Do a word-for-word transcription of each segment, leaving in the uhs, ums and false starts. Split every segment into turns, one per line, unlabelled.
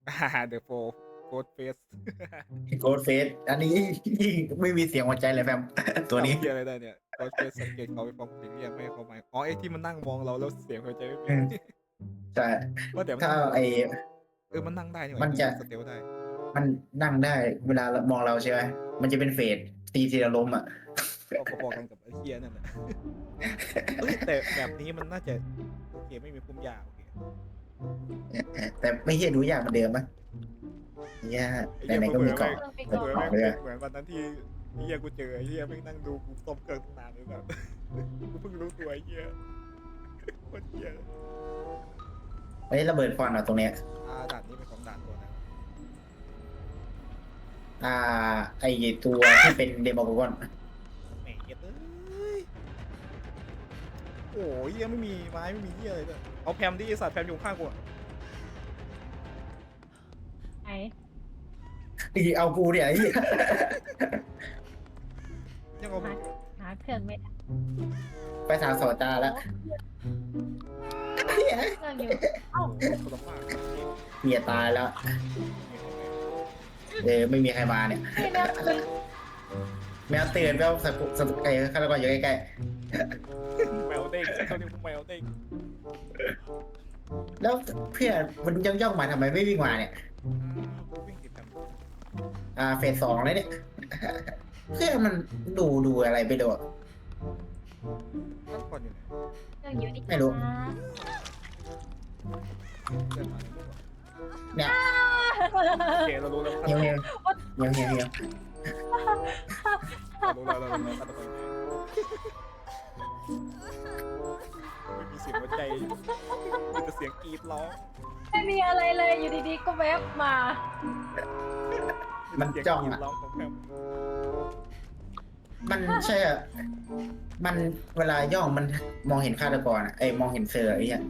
อ่าเดอะโฟร์โกดเฟส
โกดเฟสอันนี้ไม่มีเสียงหัวใจเลยแฟมตัวนี้
ทำเพี้ยอะไรได้เนี่ยโกดเฟสสังเกตเขาไปฟ้องสิ่งเรียกไม่ให้เขาหมายอ๋อไอ้ที่มันนั่งมองเราแล้วเสียงหัวใจไม่มี
อืมใช่
ว่าแต่มัน
ถ้า
นั่งมอง
ไอ้
เออมันนั่งได้นี่หว่า
มันจะ
ไอ้นี่มันสเตลได้
มันนั่งได้เวลามองเราใช่ไหมมันจะเป็นเฟสตีทีละล้มอ่ะ
ก็พอๆกันกับไอ้เคียนั่นแหละเอ้ยแต่แบบนี้มันน่าจะโอเคไม่มีพุ่มหญ้าโอเค
แต่ไม่ใช่ดูยากเหมือนเดิมปะยาก
ไอ้
แต่
เหี้ย
ไหนก็
เบื่
มี
อ
เกาะ
ๆ
ไป
ไม่
ก่อ
เบื่อ
น
แม่ง
เลย
เหมือนวันนั้นที่ไอ้เหี้ยกูเจอไอ้เหี้ยแม่งนั่งดูกูต้มเครื่องนานเลยแบบกูเพิ่งรู้ตัวไอ้เหี้ยโคตรเหี้ย
ไอ้ระเบิดควันเอาตรงเนี้ย
อ่าด่านนี้เป็นของด่านตัวนะ
อ่า ไอตัวที่เป็นเดโมโกอน
แหมเหี้ยเอ้ยโอ้ยเหี้ยไม่มีไม้ไม่มีเหี้ยอะไรเลยเอาแพมดิไอ้สัตว์แพมอยู่ข้างกูอะ
ไหน
อีเอากูเนี่ยไอ้เหี้ย
ยังเอา
หาหาเครื่องไม่ได้
ไปทางสอตาแล้ว
เครื่องอยู่เอ้า
โอ้โหคนละภาค
เมียตายแล้วเออไม่มีใครมาเนี่ย
นี่เนี่ยเป็น
แมวตื่นแมวสัตว์สัตว์ไอ้ฆาตกรอยู่ใกล้
แมวเด้งเขาเรียกว่าแมวเด้ง
ๆแล้วเพื่อนมันย่องย่องๆมาทำไมไม่วิ่งมาเนี่ย
อ่าวิ่งติดแพม
อ่าเฟสสองเลยเนี่ย เพื่อนมันดูดูอะไรไปดู
ตั้งก่อนอยู่ไหน
เครื่องอยู่นี่
ไม่รู้
นะ
เดินมาในรูปอะ
เนี่ย
โอเคเรารู้แล้ว
เฮียวเฮียวเฮียวเฮียวเฮียว
เรารู้แล้วเรารู้แล้วฆาตกรไม่มีเสียงหัวใจมีแต่เสียงกรีดร้อง
ไม่มีอะไรเลยอยู่ดีๆก็แวบมา
มัน
เสีย
จ้อง
กรีด
อ่ะ
ร้องของแพม
มันใช่อ่ะมันเวลาย่องมันมองเห็นฆาตกรอ่ะไอ้มองเห็นเซอร์ไอ้เหี้ย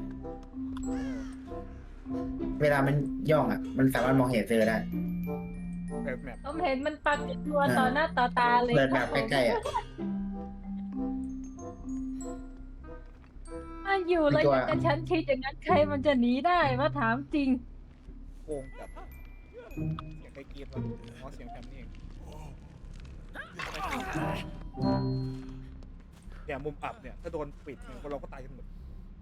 เวลามันย่องอ่ะ มันสามารถมองเห็นเซอร์ได้
แบบแมป
ผมเห็นมันปรากฏตัวต่อหน้าต่อตาเลย
เดินแบบใกล้ๆอ่ะ
มาอยู่แล้ว
ตัว
ยังกับฉันคิดอย่างนั้นใครมันจะหนีได้มาถามจริง
โกงจัดเสียงใครกรีดวะอ๋อเสียงแพมนี่เองเนี่ยมุมอับเนี่ยถ้าโดนปิดเนี่ยพวกเราก็ตายกันหมด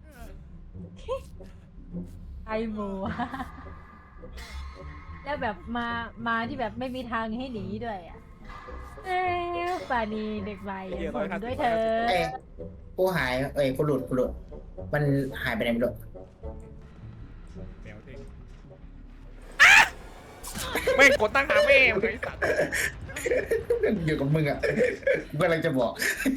ไอหมู แล้วแบบมามาที่แบบไม่มีทางให้หนีด้วยอ่ะเอ้ยป่านีเด็กใหม่อย่างผมด้วยเธอ
เอ้ยกูหายเอ้ยกูหลุดกูหลุดมันหายไปไหนไม่รู้
แมวเด้งไม่งกดตั้งหาแม่งไอ้สัตว์
อยู่กับมึงอ่ะกูกำลังจะบอก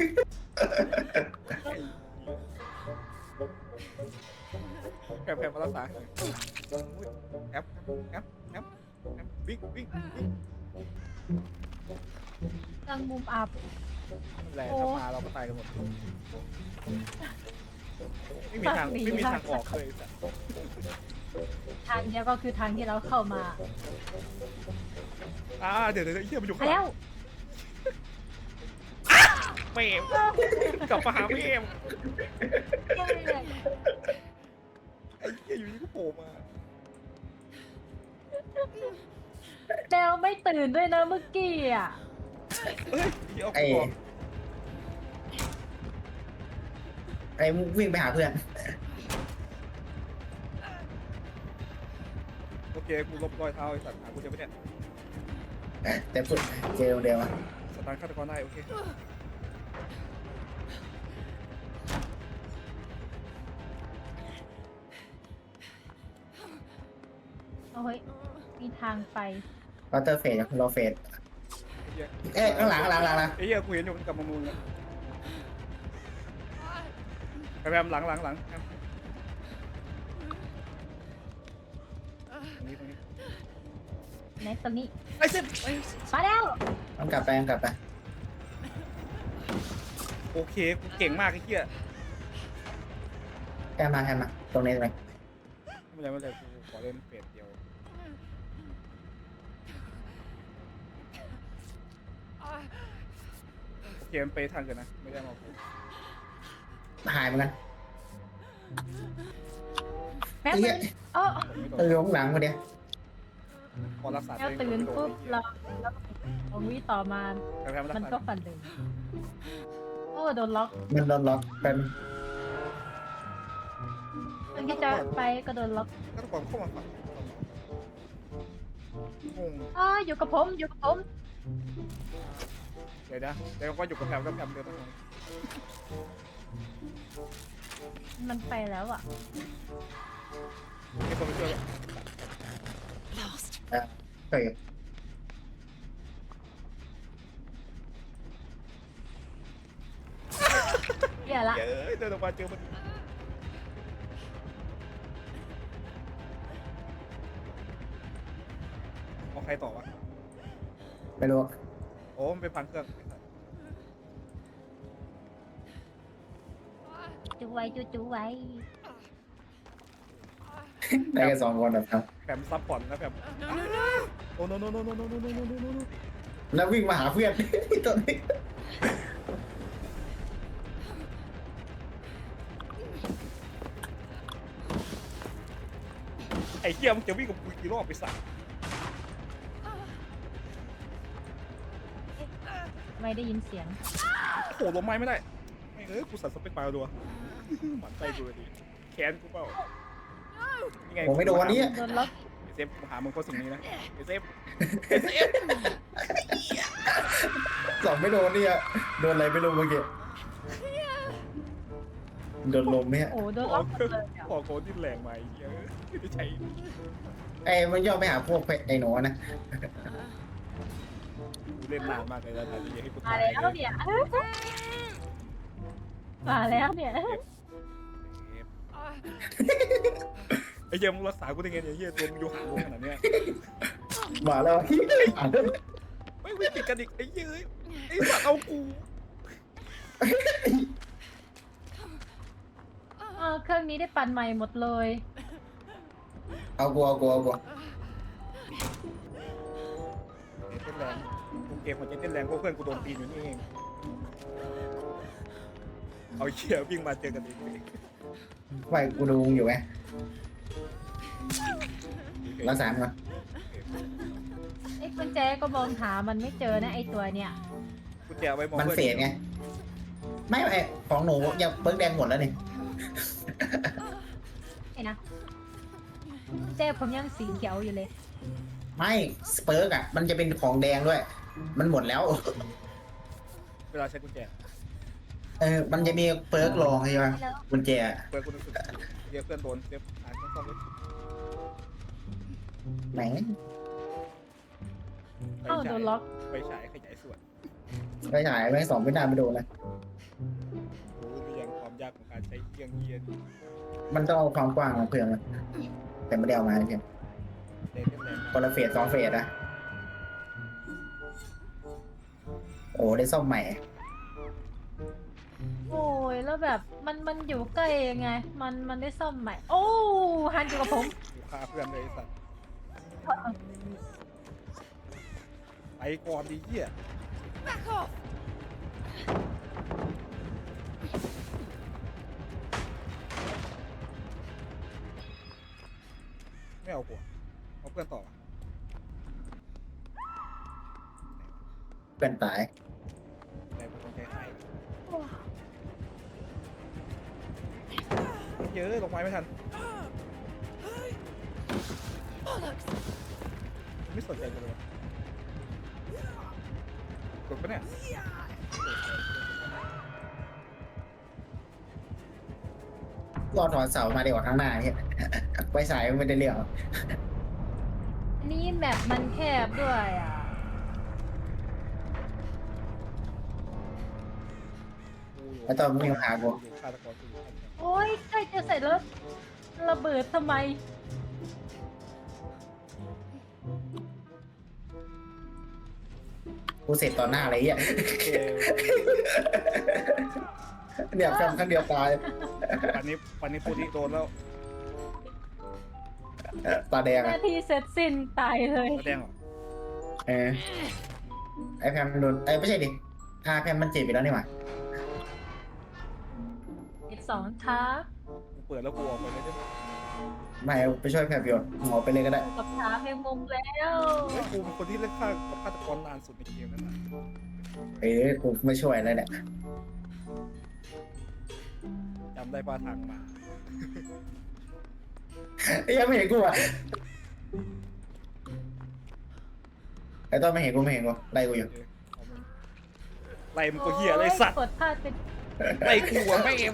แพมแพมมารักษาแอปแอปแอปแอปวิ่งวิ่งวิ่ง
ตั้งมุมอับ
นั่นแหละถ้ามาเราก็ตายกันหมดไม่มีทางไม่มีทางออกเลยสัตว์
ทางเดียวก็คือทางที่เราเข้ามา
อ่าเดี๋ยวเดี๋ยวไอ้เหี้ยมันอยู่
ไป
ข้างหลั
แล้
ง
ว
แม่งกลับมาหาแม่งไอ้เหี้ยอยู่นี่ก็โผล่มา
แล้วไม่ตื่นด้วยนะเมื่อกี้อ่ะ
เฮ้ยเดี๋ยว
ไอ้
กูบอก
ไอ้มึงวิ่งไปหาเพื่อน
โอเคกูลบรอยเท้าไอ้สัตว์หากูเจอไหมเนี่ย
แต่พูดเจอเดียวอ่ะ
สตาร์ทฆาตกรได้โอเค
โอ้ยมีทางไป
วอเตอร์เฟสรอเฟส
ไอ้เหี้ย
เอ๊ะข้างหลังข้างหลังข้างหลัง
ไอ้เหี้ยกูเห็นอยู่มันกลับมามุงแล้วแพมหลังหลังหลังแพมตรงนี้ตรงนี้
ในตอนนี้
ไอ้เซฟไอ้
มาแล้ว
ต้องกลับไปต้องกลับไป
โอเคกูเก่งมากไอ้เหี้ย
แค่มาแค่มาตรงนี้ตรงนี้
ไม่เป็นไรไม่เป็นไรกูขอเล่นเฟสเดียวโอเคมันไปทางกันนะไม่ได้มากู
หายเหมือนกัน
แม่
ไอ้
มั
เหี้ย
นเออ
ไม่โด
เออน ข้างหลังมาเดียว
พอรักษา
แล้วตื่นปุ๊บเราแล้วของวิต่อมา
แพมแพมรัก
มัน
ษา
ก็ฝันเลยโอ้โดนล็อก
มันโดนล็อกเป็น
มันที่จะไปก็โดนล็อก
ก็ต้องเข้ามาฝังงง
อ๋ออยู่กับผมอยู่กับผม
เดี๋ยวนะเดี๋ยวก็อยู่กับแพมกับแพมเดี๋ยวต้อง
มันไปแล้วอ่ะ
มีคนไปช่วย
เฮ้ย
เหี้ยละ
เย้ยเดินออกมาเจอมันเอาใครต่อวะ
ไม่รู้
โอ้มันไปพังเครื่อง
จูไว้จูจูไว้
ได้แค่สองคนแบบครับ
แพมซับพอร์ตนะแพมโอ้โนโนโนโนโนโนโนโนโนโน
แล้ววิ่งมาหาเพื่อนตัวนี้
ไอ้เหี้ยมึงจะวิ่งกับกูกี่รอบไปสัก
ไม่ได้ยินเสียง
โอ้โหลมไม้ไม่ได้ไม่เอ้ยกูสั่นสเปคปลายรัวหมันใจกูเลยดิแขนกูเปล่ายังไง
ผมไม่โดนวันนี้
โดนล็อก
ไอ้เซฟกูหามึงเพราะสิ่งนี้นะไอ้เซฟ
สองไม่โดนเนี่ยโดนอะไรไม่รู้เมื่อกี้โดนลมไหมฮะ
โอ้โดนล็อกหมดเลยอะ
พอโกนที่แรงมาไอ้เหี้ยไม่ใช่
ไอ้มันย่อไปหาพวกไอ้หนูนะ
กูเล่นนานมากเลยนะแต่ยังให้กู
มา
ตาย
แล้วเนี่ยมาแล้วเนี่ย
ไอ้เหี้ยมึงรักษากูได้ไงเนี่ยไอ้เหี้ยตัวมึงอยู่ห่างกูขนาดเนี้ย
มาแล้วที่อ่าน
ไม่ไม่ติดกันอีกไอ้เหี้ยไอ้สัตว์เอากู
เออเครื่องนี้ได้ปั่นใหม่หมดเลย
เอากูเอากูเอากู
เต้นแรงกูเกมมันจะเต้นแรงเพราะเพื่อนกูโดนตีนอยู่นี่เองเอาเหี้ยวิ่งมาเจอกันอีก
ไฟกูดูอยู่ไงรักษามัน
ไอ้กุญแจก็มองหามันไม่เจอนะไอ้ตัวเนี่ย
กูแจไว้มอง
มัน
เพื่อน
เฟดไงไม่ไอ้ของหนูยังเบิ้งแดงหมดแล้วนี่
ไอ้นะกุญแจผมยังสีเขียวอยู่เลย
ไม่สเปิร์กอ่ะมันจะเป็นของแดงด้วย มันหมดแล้ว
เวลาใช้กุญแจ
เออมันจะมีเปิร์กรองใช่ไหมกุญแจ
เพื่อนกูนึกถึงเหี้ยเพื่อนโดนเซฟหายต้องเลย
ไหน
เอ้าโดนล็อก
ไปฉายขยายส่วน
ไปฉายไปสองไม่ได้ไม่โดนเลย
รู้หรือยังความยากของการใช้เครื่องเยียน
มันต้องเอาความกว้างของเพื่อนมันแต่ไม่ได้เอามาใช่ไหม
เล่นแรง
คนละเฟสสองเฟสอะโอ้ได้ซ่อมใหม่
โอ้ยแล้วแบบมันมันอยู่ใกล้ยังไง มันมันได้ซ่อมใหม่ โอ้ฮันอยู่กับผม
อยู่ฆ่าเพื่อนเลยไอ้สัตว์ไปก่อนดีเหี้ยไม่เอาหัวเอาเพื่อนต่อ
เป็นตาย
แต่ผมใจหายเยอะลงไม้ไม่ทันไม่สนใจเลยวะกดปะเนี่ย
รอถอนเสามาเดี๋ยวข้างหน้าเนี่ยไปสายไม่ได้เรื่อง
อันนี้แมปมันแคบด้วยอ่ะ
แล้วตอนมีปัญหากู
อยู่ฆาตกรกูอยู่ฆาตกร
โอ้ยใกล้จะเสร็จแล้วระเบิดทำไม
กูเสร็จต่อหน้าอะไรเงี้ย
โอเค
เนี่ยแฟนครั้งเดียวตาย
ปันนี้ปันนี้พูดที่โดนแล้ว
ตาแดง
ห
อะ
น้าที่เสร็จสิ้นตายเลย
แสดงเหรอ
เออไอแพมโดนไอไม่ใช่ดิพาแพมมันเจ็บไปแล้วนี่หว่า
อีกสองท้า
กูเปิดแล้วกูออกไปเลยได้ไหม
ไม่ไปช่วยแพรอยู่หมอไปเลยก็ได้
กับถามแมงมุมแล้ว
เฮ้ยกูเป็นคนที่เล่นฆ่ากับฆาตกรนานสุดในเกมนั่นน่ะ
เอ้ยกูไม่ช่วยเลยเนี่ย
จำได้ป่ะทางมา
ไอ้ยังไม่เห็นกูอ่ะไอ้ต้นไม่เห็นกูไม่เห็นกูไล่กูอยู่
โอเคเอามันไล่มันก็เหี้ยอะไรสัตว์
กดพลาดเป็น
ไล่กูอะไม่เอง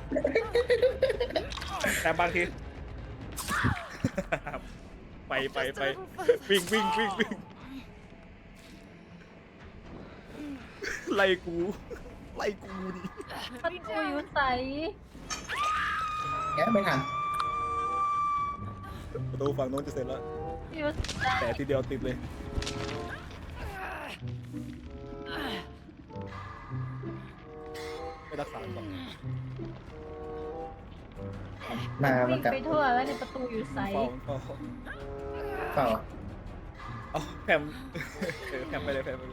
แต่บางที ไปไปไปวิ่งวิ่งวิ่งวิ่งไล่กูไล่กูดิ
ประตูอยู่ใส
แกไม่ทัน
ประตูฝั่งโน้นจะเสร็จแล้ว
อยู่ใส
แต่ทีเดียวติดเลยไม่รักษาก่อน
มามั
วิ่
น
ง
กลับ
ไปทั่วแล้วในประตูอยู่ใส
เฝ้าเฝ้า
เปล่า
เอาแพมเออแพมไปเลยแพมไปเลย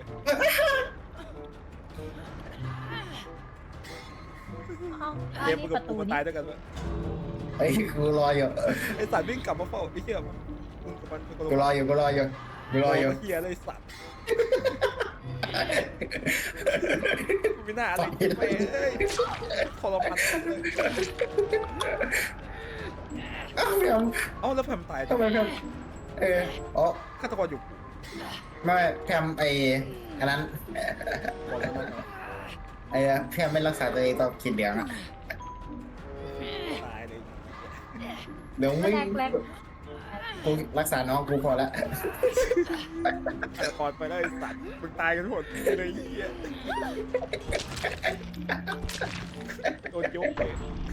เอ้าอัน
เกม
นี้
มึง
ป
กับ
ระ
กู
ตู
มา
นี้
ตายด้วยกันวะ
ไอ้ยกูรออยู่
ไอสัตว์วิ่งกลับมาเฝ้าไอ้เหี้ยมึงกับมัน
กูรออยู่กูรออยู่กูรออยู่
เหี้ยเลยสัตว์กูไม่น่าอะไรไปเอ้ยทรมานเลย
อ้าวแพม
เอ้าแล้วแพมตาย
ทำไมแพมเอออ๋อ
ฆาตกรอยู่
ไม่แพมไอ้อันนั้น
ก่อนแล้วนะ
ไอ้แพมไม่รักษาตัวเองตอนกินเหลืองอ่ะ
ตายเลย
เดี๋ยวไม่
แรกแรก
กูรักษาน้องกูพอละ
ฆาตกรไปแล้วไอ้สัตว์มึงตายกันทั้งหมดเลยไอ้เหี้ยโดนยกเลย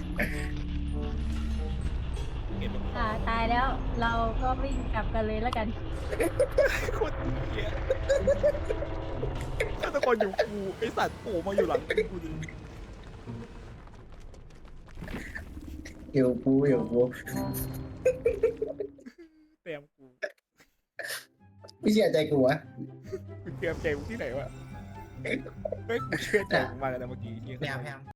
เห็นไหม
อ่าตายแล้ว เราก็วิ่งกลับกันเลยแล้วกัน
โคตรเหี้ยฆาตกรอยู่กูไอ้สัตว์โผล่มาอยู่หลังกูดิ
อยู่กูอยู่กู
เตรียมกู
ไม่เชื่อใจกูวะ
กูเตรียมใจกูที่ไหนวะเฮ้ยกูเชื่อใจมึงมากเลยนะเมื่อกี้เหี้ย
แพมแพม